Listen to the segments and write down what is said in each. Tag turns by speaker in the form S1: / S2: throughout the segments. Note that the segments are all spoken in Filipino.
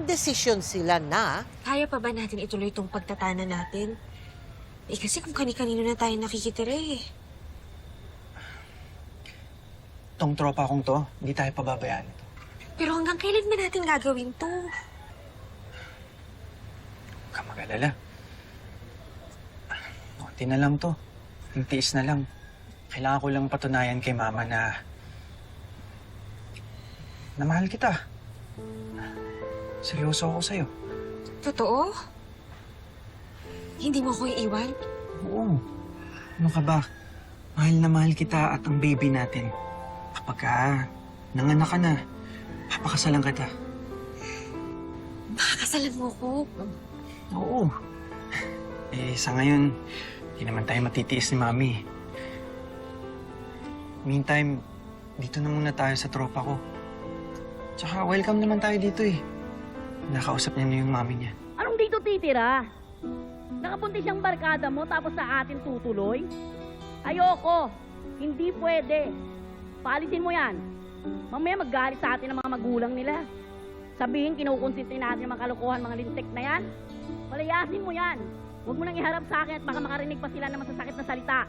S1: nagdesisyon sila na
S2: Kaya pa ba natin ituloy itong pagtatana natin? Eh kasi kung kani-kanino na tayo nakikitira eh.
S3: Tong tropa kong to, hindi tayo pababayaan ito.
S2: Pero hanggang kailan ba natin gagawin to?
S3: Huwag kang mag-alala. Kunti na lang to. Ang tiis na lang. Kailangan ko lang patunayan kay Mama na mahal kita. Seryoso ako sa'yo.
S2: Totoo? Hindi mo ako iiwan?
S3: Oo. Ano ka ba? Mahal na mahal kita at ang baby natin. Kapag nanganak ka na, papakasalan kita.
S2: Makakasalan mo ko?
S3: Oo. Eh, sa ngayon, hindi naman tayo matitiis ni Mami. Meantime, dito na muna tayo sa tropa ko. Tsaka welcome naman tayo dito eh. Nakausap niya na yung Mami niya.
S4: Anong dito titira? Nakapunti siyang barkada mo tapos sa atin tutuloy? Ayoko. Hindi pwede. Paalisin mo yan. Mamaya maggalit sa atin ang mga magulang nila. Sabihin, kinukonsinti natin ang mga kalokohan, mga lintik na yan. Palayasin mo yan. Huwag mo nang iharap sa akin at baka makarinig pa sila ng masasakit na salita.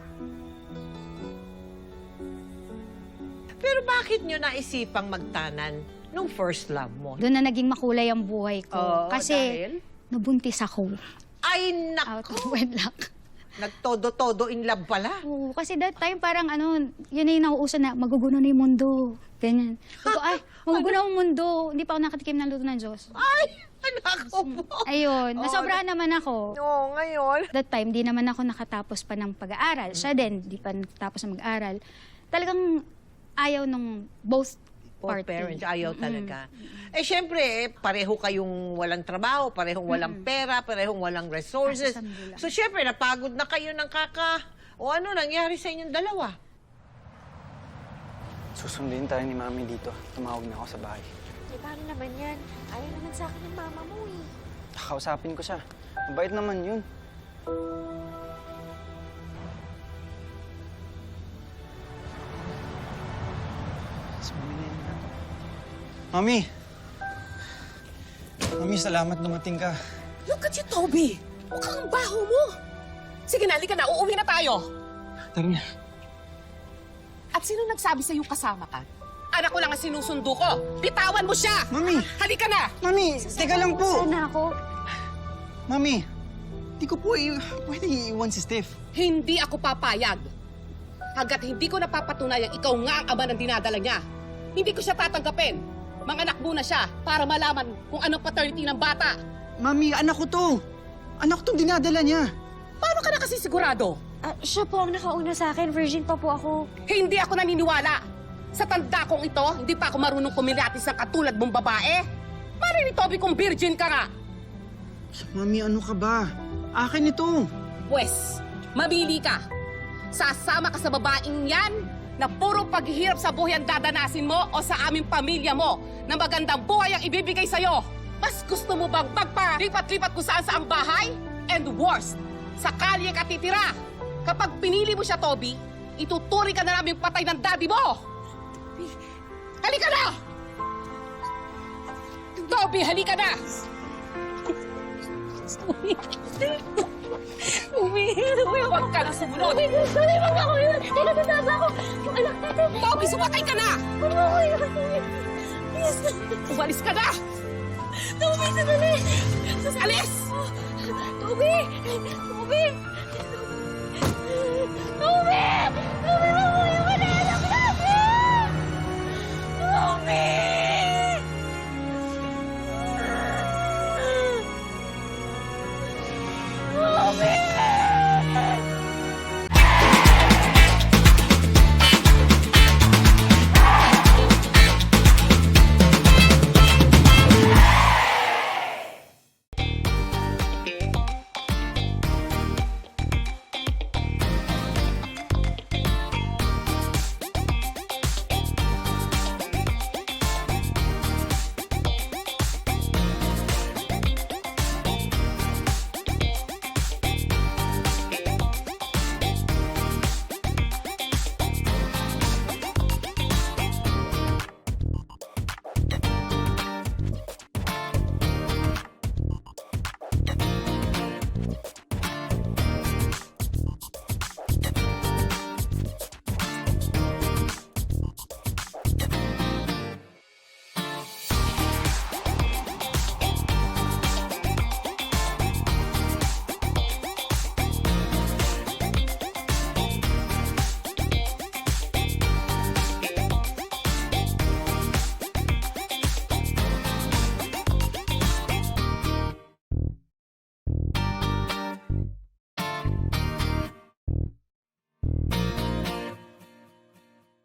S1: pero bakit nyo naisipang magtanan nung first love mo?
S5: Doon na naging makulay ang buhay ko.
S1: Oo,
S5: Kasi
S1: dahil?
S5: nabuntis ako.
S1: Ay,
S5: Out of
S1: nako!
S5: wedlock.
S1: Nagtodo-todo in love pala.
S5: Oo, kasi that time parang yun na yung nauuso na maguguno na yung mundo. Ganyan. Sabi ko, ay, maguguno ang mundo. Hindi pa ako nakatikim ng luto ng Diyos.
S1: Ay, nako po.
S5: Ayun,
S1: Oo,
S5: nasobrahan naman ako.
S1: Oo, ngayon.
S5: That time, di naman ako nakatapos pa ng pag-aaral. Siya din, di pa natapos ng mag-aaral. Talagang ayaw nung both
S1: Both
S5: party.
S1: parents, ayaw talaga. Eh, syempre, pareho kayong walang trabaho, parehong walang pera, parehong walang resources.
S5: Kasasambulan.
S1: So, syempre, napagod na kayo ng O ano nangyari sa inyong dalawa?
S3: Susundin tayo ni Mami dito. Tumawag na ako sa bahay.
S2: Eh, paano naman yan? Ayaw naman sa akin ng mama mo eh.
S3: Kakausapin ko siya. Mabait naman yun. Si Mami na yun. Mami! Mami, salamat dumating ka.
S6: Look at you, Toby! Mukhang ang baho mo! Sige na, halika na. Uuwi na tayo.
S3: Tara na.
S6: At sino nagsabi sa'yo kasama ka? Anak ko lang ang sinusundo ko. Bitawan mo siya!
S3: Mami!
S6: Halika na!
S3: Mami! Teka lang po!
S5: Sana ako.
S3: Mami! Di ko po pwede iiwan si Steph.
S6: Hindi ako papayag. Hanggat hindi ko napapatunayang ikaw nga ang ama ng dinadala niya. Hindi ko siya tatanggapin. Manganak muna siya para malaman kung anong paternity ng bata.
S3: Mami, anak ko to! Anak ko tong dinadala niya.
S6: Paano ka na kasi sigurado?
S2: Siya po ang nakauna sa akin. Virgin pa po ako.
S6: Hindi ako naniniwala. Sa tanda kong ito, hindi pa ako marunong kumilatis ng katulad mong babae. Mali ni Toby kung virgin ka nga.
S3: Mami, ano ka ba? Akin ito.
S6: Pwes, mabili ka. Sasama ka sa babaeng yan na puro paghihirap sa buhay ang dadanasin mo o sa aming pamilya mo na magandang buhay ang ibibigay sa'yo. Mas gusto mo bang magpalipat-lipat kung saan sa ang bahay? And worst, sa kalye ka titira. Kapag pinili mo siya, Toby, ituturi ka na namin patay ng daddy mo. Halika na! Toby, halika na! Huwag ka na sumunod! Toby, sumakay ka na! Umalis ka na!
S2: Toby, sandali!
S6: Alis!
S2: Toby! Toby!